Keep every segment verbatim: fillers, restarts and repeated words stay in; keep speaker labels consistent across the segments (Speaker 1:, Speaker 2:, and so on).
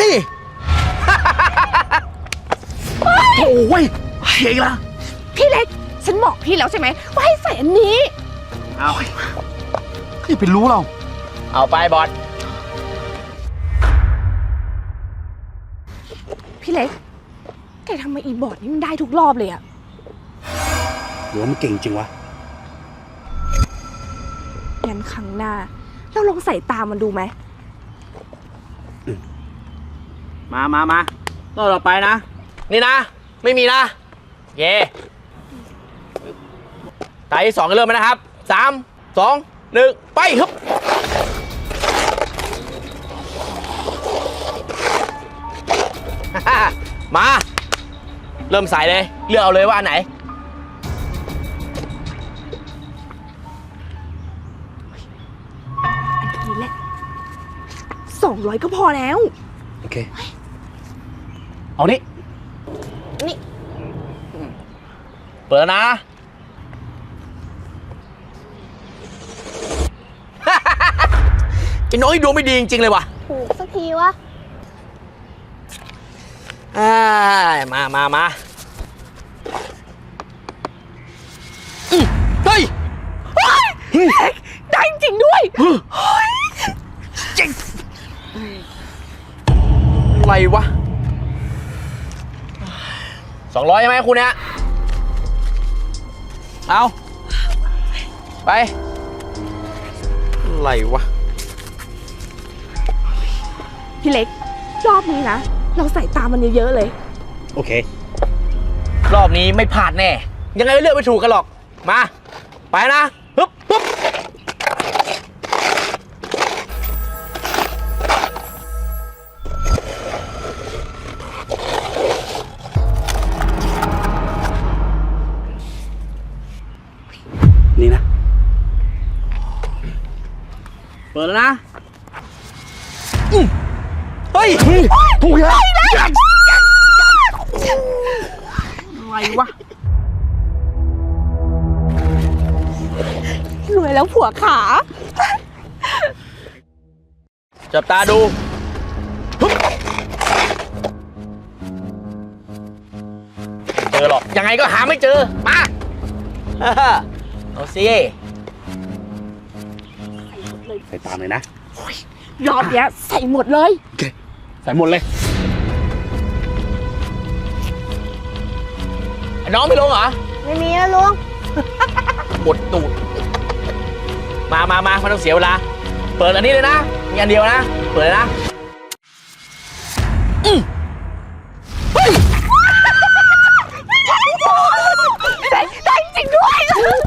Speaker 1: โอ้ยเฮ้ยละ
Speaker 2: พี่เล็กฉันบอกพี่แล้วใช่ไหมว่าให้ใส่อันนี้
Speaker 1: เอาอย่าไปรู้เรา
Speaker 3: เอาไปบอส
Speaker 2: พี่เล็กแต่ทำไมอีบอร์ดนี่มันได้ทุกรอบเลยอะ
Speaker 1: หรือว่ามันเก่งจริงวะ
Speaker 2: งั้นครั้งหน้าเราลองใส่ตามมันดูไหม
Speaker 3: มามามารอบต่อไปนะนี่นะไม่มีนะเย่ตายที่สองเริ่มแล้วนะครับสามสองหนึ่งไปฮึบมาเริ่มใส่เลยเลือกเอาเลยว่าอันไหน
Speaker 2: อันนี้แหละสองร้อยก็พอแล้ว
Speaker 1: โอเคเอานี่
Speaker 2: นี่
Speaker 3: เปิดนะไอ้น้อยดวงไม่ดีจริงๆเลยว่ะ
Speaker 2: ถูกสักทีวะ
Speaker 3: มามามาเฮ้ย
Speaker 2: ได้จริงด้วย
Speaker 3: จริงอะไรวะสองร้อยใช่ไหมคุณเนี่ยเอาไปอะไรวะ
Speaker 2: พี่เล็กรอบนี้นะเราใส่ตามมันเยอะๆเลย
Speaker 1: โอเค
Speaker 3: รอบนี้ไม่พลาดแน่ยังไงเลือกไม่ถูกกันหรอกมาไปนะฮึบปุ๊บ
Speaker 1: นี่นะ
Speaker 3: เปิดแล้วนะเฮ้ย
Speaker 1: ถูกแล้ว
Speaker 3: อะไรวะ
Speaker 2: รวยแล้วผัวขา
Speaker 3: จับตาดูเจอหรอกยังไงก็หาไม่เจอมาเอาสิ
Speaker 1: ใส่ตามเลยนะ
Speaker 2: รอบเนี้ยใส่หมดเลย
Speaker 1: โอเคใส่หมดเลย
Speaker 3: น้องไม่ลงเหรอ
Speaker 2: ไม่มีนะลุง
Speaker 3: หมดตูดมามามาไม่ต้องเสียเวลาเปิดอันนี้เลยนะมีอันเดียวนะเปิดเลยนะเฮ้ย
Speaker 2: ได้ได้จริงด้วย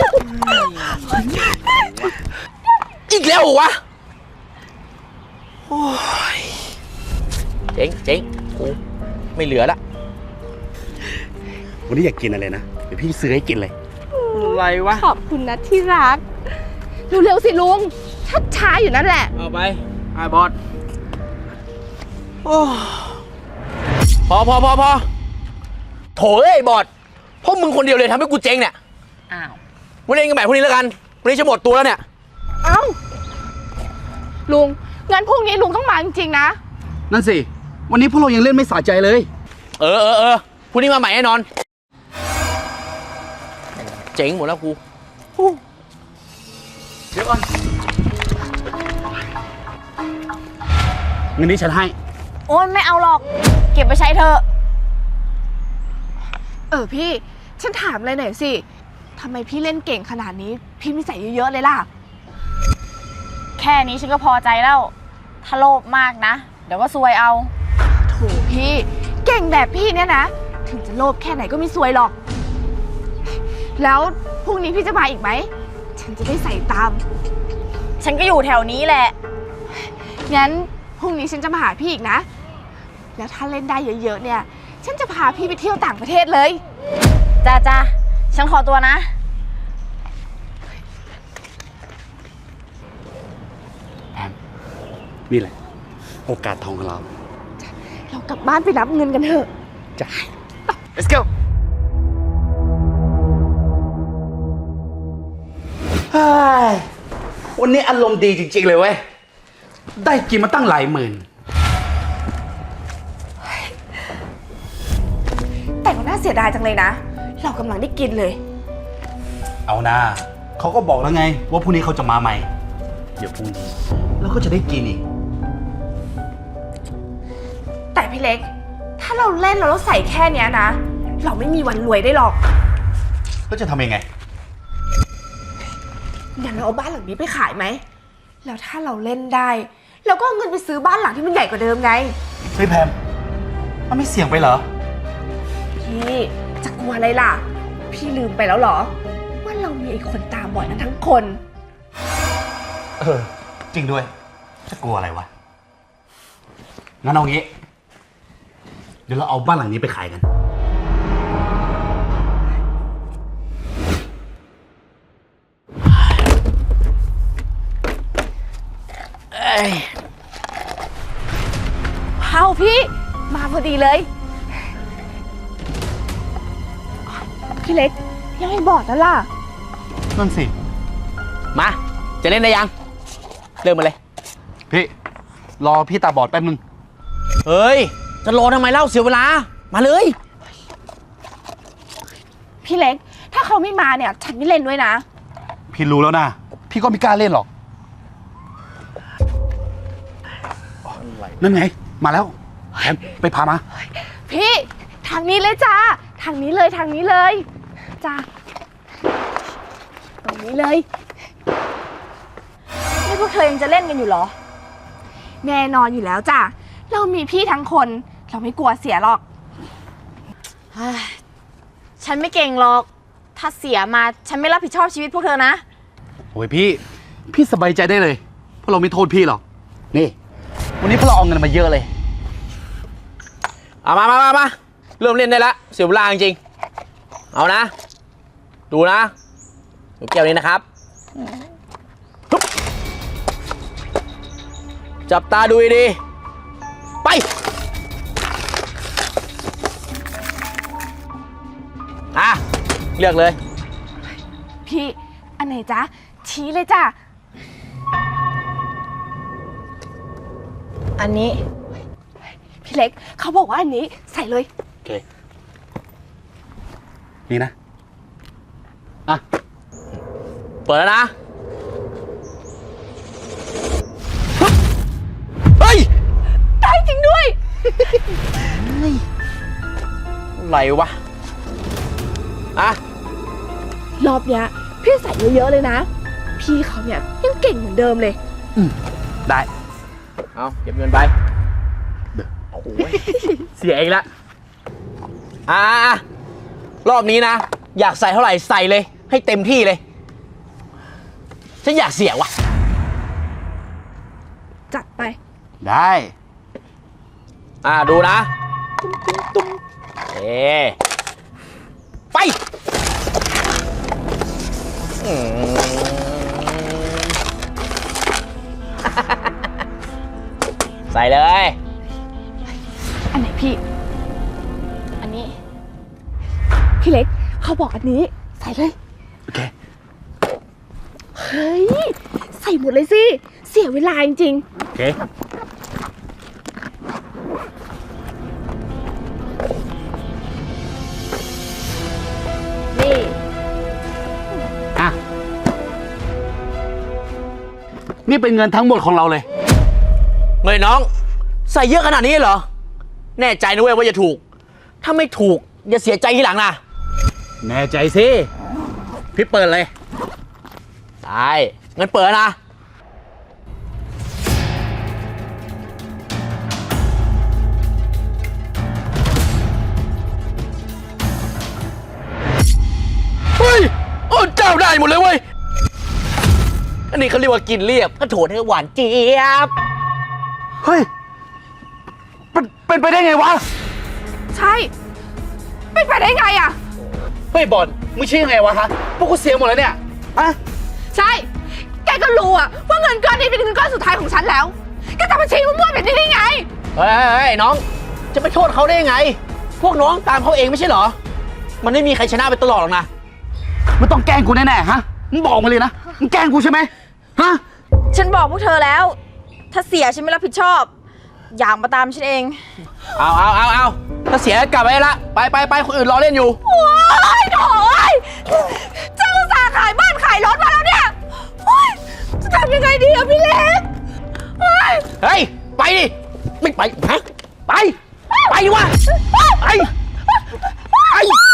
Speaker 3: อีกแล้ววะโอ้ยเจ๊งเจ๊งกูไม่เหลือละ
Speaker 1: วันนี้อยากกินอะไรนะเดี๋ยวพี่ซื้อให้กินเลย
Speaker 3: อะไรวะ
Speaker 2: ขอบคุณนะที่รักเร็วๆสิลุงถ้าช้าอยู่นั่นแหละ
Speaker 3: เอาไปไอ้บอสโอ้พอพอพอพอโถเอ้ยบอสเพราะมึงคนเดียวเลยทำให้กูเจ๊งเนี่ยอ้าววันนี้กันใหม่พรุ่งนี้แล้วกันวันนี้จะหมดตัวแล้วเนี่ย
Speaker 2: เอ้าลุงงั้นพรุ่งนี้ลุงต้องมาจริงๆนะ
Speaker 1: นั่นสิวันนี้พวกเรายังเล่นไม่สะใจเลย
Speaker 3: เออเออเออพรุ่งนี้มาใหม่แน่นอนเจ๋งหมดแล้วกูเดี๋ยวก่อน
Speaker 1: เงินนี้ฉันให้
Speaker 2: โอ้ยไม่เอาหรอกเก็บไปใช้เถอะเออพี่ฉันถามอะไรหน่อยสิทำไมพี่เล่นเก่งขนาดนี้พี่ไม่ใส่เยอะๆเลยล่ะ
Speaker 4: แค่นี้ฉันก็พอใจแล้วถ้าโลภมากนะเดี๋ยวก็ซวยเอา
Speaker 2: โถพี่เก่งแบบพี่เนี่ยนะถึงจะโลภแค่ไหนก็ไม่ซวยหรอกแล้วพรุ่งนี้พี่จะมาอีกไหมฉันจะได้ใส่ตาม
Speaker 4: ฉันก็อยู่แถวนี้แหละ
Speaker 2: งั้นพรุ่งนี้ฉันจะมาหาพี่อีกนะแล้วถ้าเล่นได้เยอะๆเนี่ยฉันจะพาพี่ไปเที่ยวต่างประเทศเลย
Speaker 4: จ้าจ้าฉันขอตัวนะ
Speaker 1: แอมนี่แหละโอกาสทองของเรา
Speaker 2: เรากลับบ้านไปรับเงินกันเถอะ
Speaker 1: จ้ะ let's go วันนี้อารมณ์ดีจริงๆเลยเว้ยได้กินมาตั้งหลายหมื่น
Speaker 2: น่าเสียดายจังเลยนะ เรากำลังได้กินเลย
Speaker 1: เอานะเขาก็บอกแล้วไง ว่าพรุ่งนี้เขาจะมาใหม่ เดี๋ยวพรุ่งนี้เราก็จะได้กินอีก
Speaker 2: แต่พี่เล็ก ถ้าเราเล่นแล้วเราใส่แค่เนี้ยนะ เราไม่มีวันรวยได้หรอก
Speaker 1: แล้วจะทำยังไง
Speaker 2: งั้นเราเอาบ้านหลังนี้ไปขายไหม แล้วถ้าเราเล่นได้เราก็เอาเงินไปซื้อบ้านหลังที่มันใหญ่กว่าเดิมไง
Speaker 1: เฮ้ยแพมมันไม่เสี่ยงไปเหรอ
Speaker 2: พี่จะกลัวอะไรล่ะ พี่ลืมไปแล้วเหรอ ว่าเรามีไอ้คนตาบอดนั้นทั้งคน
Speaker 1: เออ จริงด้วย จะกลัวอะไรวะ งั้นเอางี้ เดี๋ยวเราเอาบ้านหลังนี้ไปขายกัน
Speaker 2: เอาพี่มาพอดีเลย พี่เล็กยังไม่บอดแล้วล่ะ
Speaker 1: นั่นสิ
Speaker 3: มา จะเล่นได้ยัง เริ่มมาเลย
Speaker 1: พี่ รอพี่ตาบอดแป๊บนึง
Speaker 3: เฮ้ย จะรอทำไมเล่าเสียเวลา มาเลย
Speaker 2: พี่เล็ก ถ้าเขาไม่มาเนี่ย ฉันไม่เล่นด้วยนะ
Speaker 1: พี่รู้แล้วนะ พี่ก็ไม่กล้าเล่นหรอก นั่นไง มาแล้วแพมไปพามา
Speaker 2: พี่ทางนี้เลยจ้าทางนี้เลยทางนี้เลยจ้าตรงนี้เลย
Speaker 4: นี่พวกเธอยังจะเล่นกันอยู่เหรอ
Speaker 2: แน่นอนอยู่แล้วจ้าเรามีพี่ทั้งคน เราไม่กลัวเสียหรอก
Speaker 4: เฮ้ยฉันไม่เก่งหรอก ถ้าเสียมาฉันไม่รับผิดชอบชีวิตพวกเธอนะ
Speaker 1: โอ้ยพี่ พี่สบายใจได้เลย เพราะเราไม่โทษพี่หรอก นี่ วันนี้พวกเราเอาเงินมาเยอะเลย
Speaker 3: เอามามามามาเริ่มเล่นได้แล้ว เสียเวลาจริงๆเอานะ ดูนะดูแก้วนี้นะครับฮึบจับตาดูดีๆไป อ่ะ เลือกเลย
Speaker 2: พี่อันไหนจ๊ะชี้เลยจ้า
Speaker 4: อันนี้
Speaker 2: พี่เล็กเขาบอกว่าอันนี้ใส่เลย
Speaker 1: โอเค นี่นะ อ่ะ
Speaker 3: เปิดแล้วนะฮึบเฮ้ย
Speaker 2: ได้จริงด้วย
Speaker 3: อะไรวะ อ่ะ
Speaker 2: รอบเนี้ยพี่ใส่เยอะๆเลยนะ พี่เขาเนี่ยยังเก่งเหมือนเดิมเลย
Speaker 1: อืม ได้
Speaker 3: เอาเก็บเงินไปโอ้โหเสียเองละอ่ารอบนี้นะ อยากใส่เท่าไหร่ใส่เลย ให้เต็มที่เลย ฉันอยากเสียวะ
Speaker 2: จัดไป
Speaker 1: ได้
Speaker 3: อ่าดูนะตุ้มตุ้มตุ้มเอไปอืม ใส่เลย
Speaker 2: อันไหนพี่
Speaker 4: อันนี้
Speaker 2: พี่เล็กเขาบอกอันนี้ ใส่เลย
Speaker 1: โอเค
Speaker 2: เฮ้ย ใส่หมดเลยสิ เสียเวลาจริง
Speaker 1: โอเค
Speaker 2: ๆ นี่
Speaker 1: อ่ะ นี่เป็นเงินทั้งหมดของเราเลย
Speaker 3: เฮ้ยน้อง ใส่เยอะขนาดนี้เหรอ แน่ใจนะเว้ยว่าจะถูก ถ้าไม่ถูก อย่าเสียใจทีหลังนะ
Speaker 1: แน่ใจสิ พี่เปิดเลย
Speaker 3: ได้งั้นเปิดนะ เฮ้ย โอ้เจ้าได้หมดเลยเว้ย อันนี้เขาเรียกว่ากินเรียบก็โถเธอหวานเจี๊ยบ
Speaker 1: เฮ้ย เป็นเป็นไปได้ไงวะ
Speaker 2: ใช่เป็นไปได้ไงอะ
Speaker 1: เฮ้ยบอลมึงเชื่อยังไงวะฮะ พวกกูเสียหมดแล้วเนี่ยอะ
Speaker 2: ใช่ แกก็รู้อะว่าเงินก้อนนี้เป็นเงินก้อนสุดท้ายของฉันแล้ว แกจะมาชี้มั่วๆแบบนี้ได้ไง
Speaker 3: เฮ้ยเฮ้ยน้อง จะไปโทษเขาได้ยังไง พวกน้องตามเขาเองไม่ใช่เหรอ มันไม่มีใครชนะไปตลอดหรอกนะ
Speaker 1: มึงต้องแกล้งกูแน่ๆฮะ มึงบอกมาเลยนะ มึงแกล้งกูใช่ไหมฮะ
Speaker 4: ฉันบอกพวกเธอแล้ว ถ้าเสียฉันไม่รับผิดชอบอยากมาตามฉันเอง
Speaker 3: เอาเอาเอาเอาถ้าเสียกลับไปละไปไปไปคนอื่นรอเล่นอยู่
Speaker 2: โอ้ยโถ่เอ้ยเจ้าอุตส่าห์ขายบ้านขายรถมาแล้วเนี่ยโอ๊ยจะทำยังไงดีอะพี่เล็กโอ๊ย
Speaker 3: เฮ้ย ไปดิ ไม่ไปฮะไป ไปดิวะไป ไป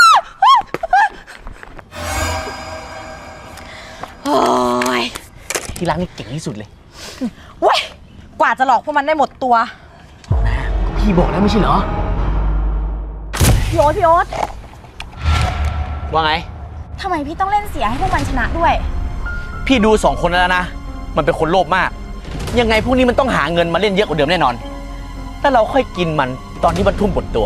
Speaker 4: โอ้ย
Speaker 3: ที่รักนี่เก่งที่สุดเลย
Speaker 4: เว้ย กว่าจะหลอกพวกมันได้หมดตัว
Speaker 3: พี่บอกแล้วไม่ใช่เหรอ
Speaker 4: พี่โอ๊ตพี่โอ๊ต
Speaker 3: ว่าไง
Speaker 4: ทำไมพี่ต้องเล่นเสียให้พวกมันชนะด้วย
Speaker 3: พี่ดูสองคนแล้วนะ มันเป็นคนโลภมาก ยังไงพวกนี้มันต้องหาเงินมาเล่นเยอะกว่าเดิมแน่นอนแต่เราค่อยกินมันตอนที่มันทุ่มหมดตัว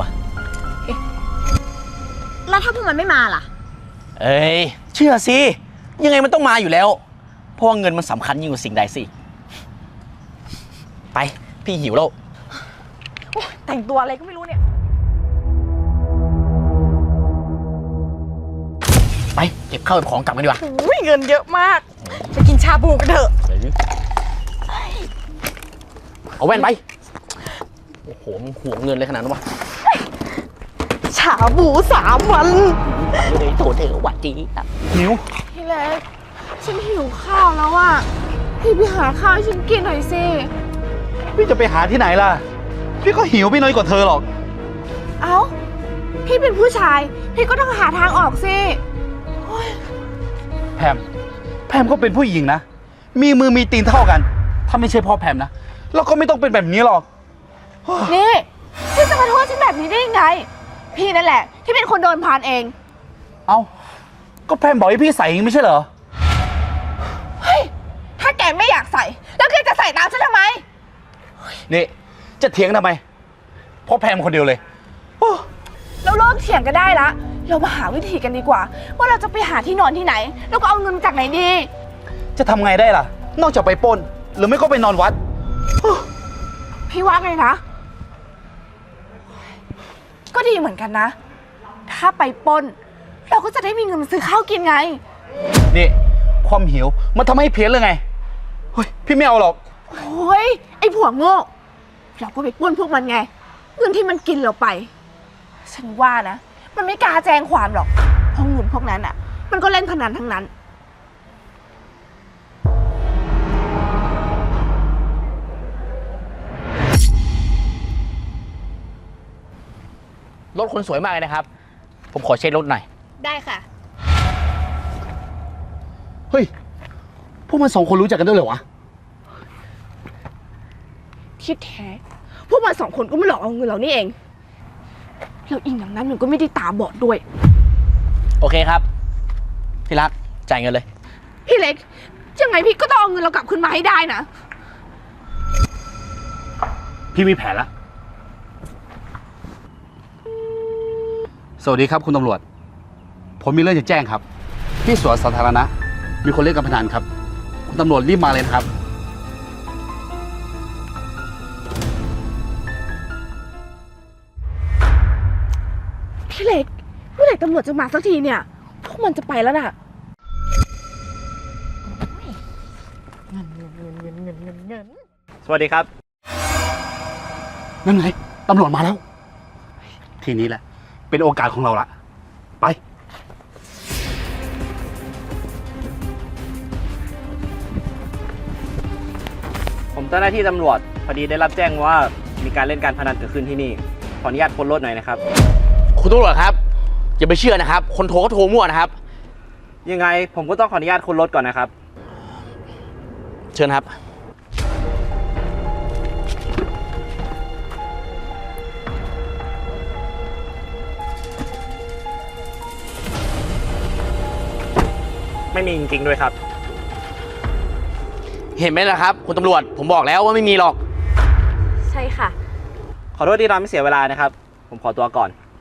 Speaker 4: แล้วถ้าพวกมันไม่มาล่ะ
Speaker 3: เอ้ย เชื่อสิ ยังไงมันต้องมาอยู่แล้ว เพราะว่าเงินมันสำคัญยิ่งกว่าสิ่งใดสิ ไป พี่หิวแล้ว
Speaker 4: แต่งตัวอะไรก็ไม่รู้เนี่ย
Speaker 3: ไป เก็บข้าวเก็บของกลับกันดีกว่า
Speaker 4: อุ้ยเงินเยอะมาก ไปกินชาบูกันเถอะ
Speaker 3: เอาแว่นไป โอ้โหมึงห่วงเงินเลยขนาดนั้นวะ
Speaker 4: ชาบูสามวัน
Speaker 3: เลยโถเธอหวัดจีอ่ะ
Speaker 1: หิว
Speaker 2: พี่เล็กฉันหิวข้าวแล้วอะพี่ไปหาข้าวให้ฉันกินหน่อยสิ
Speaker 1: พี่จะไปหาที่ไหนล่ะ พี่ก็หิวไม่น้อยกว่าเธอหรอก
Speaker 2: เอ้าพี่เป็นผู้ชาย พี่ก็ต้องหาทางออกสิ
Speaker 1: แพม แพมก็เป็นผู้หญิงนะ มีมือมีตีนเท่ากัน ถ้าไม่ใช่พ่อแพมนะ เราก็ไม่ต้องเป็นแบบนี้หรอก
Speaker 2: นี่พี่จะมาโทษฉันแบบนี้ได้ยังไง พี่นั่นแหละ ที่เป็นคนโดนพานเอง
Speaker 1: เอ้า ก็แพมบอกให้พี่ใส่เองไม่ใช่เหรอ
Speaker 2: เฮ้ย ถ้าแกไม่อยากใส่ แล้วแกจะใส่ตามฉันทำไม
Speaker 1: นี่ จะเถียงทำไม เพราะแพมคนเดียวเลยโอ้
Speaker 2: เราเลิกเถียงกันได้ละ เรามาหาวิธีกันดีกว่า ว่าเราจะไปหาที่นอนที่ไหน แล้วก็เอาเงินมาจากไหนดี
Speaker 1: จะทำไงได้ล่ะ นอกจากไปปล้น หรือไม่ก็ไปนอนวัด
Speaker 2: พี่ว่าไงนะ ก็ดีเหมือนกันนะ ถ้าไปปล้น เราก็จะได้มีเงินมาซื้อข้าวกินไง
Speaker 1: นี่ ความหิวมันทำให้เพี้ยนเลยไง เฮ้ย พี่ไม่เอาหรอก
Speaker 2: โอ้ย ไอ้ผัวโง่ เราก็ไปปล้นพวกมันไง เงินที่มันกินเราไป ฉันว่านะ มันไม่กล้าแจ้งความหรอก เพราะเงินพวกนั้นอ่ะ มันก็เล่นพนันทั้งนั้น
Speaker 3: รถคนสวยมากเลยนะครับ ผมขอเช็ครถหน่อย
Speaker 4: ได้ค่ะ
Speaker 1: เฮ้ย พวกมันสองคนรู้จักกันด้วยเหรอวะ
Speaker 2: ที่แท้ พวกมันสองคนก็มาหลอกเอาเงินเรานี่เอง แล้วอีกอย่างนั้นมันก็ไม่ได้ตาบอดด้วย
Speaker 3: โอเคครับ พี่รัก จ่ายเงินเลย
Speaker 2: พี่เล็ก ยังไงพี่ก็ต้องเอาเงินเรากลับคืนมาให้ได้นะ
Speaker 1: พี่มีแผนละ สวัสดีครับคุณตำรวจ ผมมีเรื่องจะแจ้งครับ ที่สวนสาธารณะ มีคนเล่นการพนันครับ คุณตำรวจรีบมาเลยนะครับ
Speaker 2: พี่เล็ก เมื่อไหร่ตำรวจจะมาสักทีเนี่ย พวกมันจะไปแล้วน่ะ
Speaker 5: สวัสดีครับ
Speaker 1: นั่นไง ตำรวจมาแล้ว ทีนี้แหละ เป็นโอกาสของเราละ ไป
Speaker 5: ผมเจ้าหน้าที่ตำรวจ พอดีได้รับแจ้งว่ามีการเล่นการพนันเกิดขึ้นที่นี่ ขออนุญาตค้นรถหน่อยนะครับ
Speaker 3: คุณตำรวจครับ อย่าไปเชื่อนะครับ คนโทรก็โทรมั่วนะครับ
Speaker 5: ยังไงผมก็ต้องขออนุญาตค้นรถก่อนนะครับ
Speaker 3: เชิญครับ
Speaker 5: ไม่มีจริงๆด้วยครับ
Speaker 3: เห็นไหมล่ะครับ คุณตำรวจ ผมบอกแล้วว่าไม่มีหรอก
Speaker 4: ใช่ค่ะ
Speaker 5: ขอโทษที่ทำให้เสียเวลานะครับ ผมขอตัวก่อน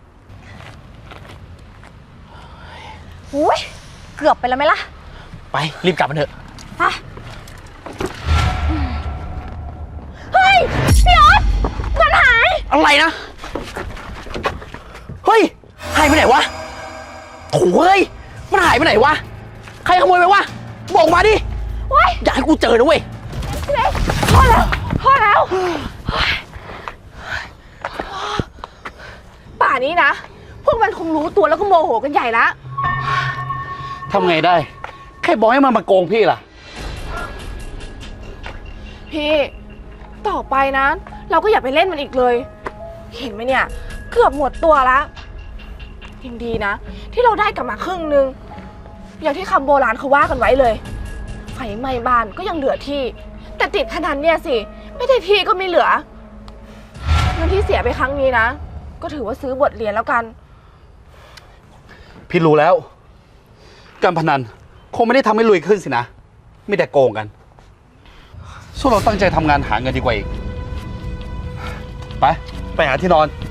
Speaker 4: อุ้ย เกือบไปแล้วไหมล่ะ
Speaker 3: ไป รีบกลับมาเถอะ
Speaker 4: ไป เฮ้ย พี่โอ๊ตเงินหาย
Speaker 3: อะไรนะ เฮ้ย หายไปไหนวะโถ่เฮ้ย มันหายไปไหนวะ ใครขโมยไปวะ บอกมาดิ
Speaker 4: เว้ย
Speaker 3: อย่าให้กูเจอนะเว้ย
Speaker 2: พี่เล็ก พอแล้ว พอแล้วนี้นะ พวกมันคงรู้ตัวแล้วก็โมโหกันใหญ่ละ
Speaker 1: ทำไงได้ แค่บอกให้มันมาโกงพี่ล่ะ
Speaker 2: พี่ ต่อไปนะ เราก็อย่าไปเล่นมันอีกเลย เห็นไหมเนี่ย เกือบหมดตัวละยังดีนะ ที่เราได้กลับมาครึ่งนึง อย่างที่คำโบราณเขาว่ากันไว้เลย ไฟไหม้บ้านก็ยังเหลือที่ แต่ติดพนันเนี่ยสิ ไม่ได้ที่ก็ไม่เหลือ เงินที่เสียไปครั้งนี้นะ ก็ถือว่าซื้อบทเรียนแล้วกัน
Speaker 1: พี่รู้แล้ว การพนันคงไม่ได้ทำให้รวยขึ้นสินะ ไม่แต่โกงกันสู้เราตั้งใจทำงานหาเงินดีกว่าอีก ไป ไปหาที่นอน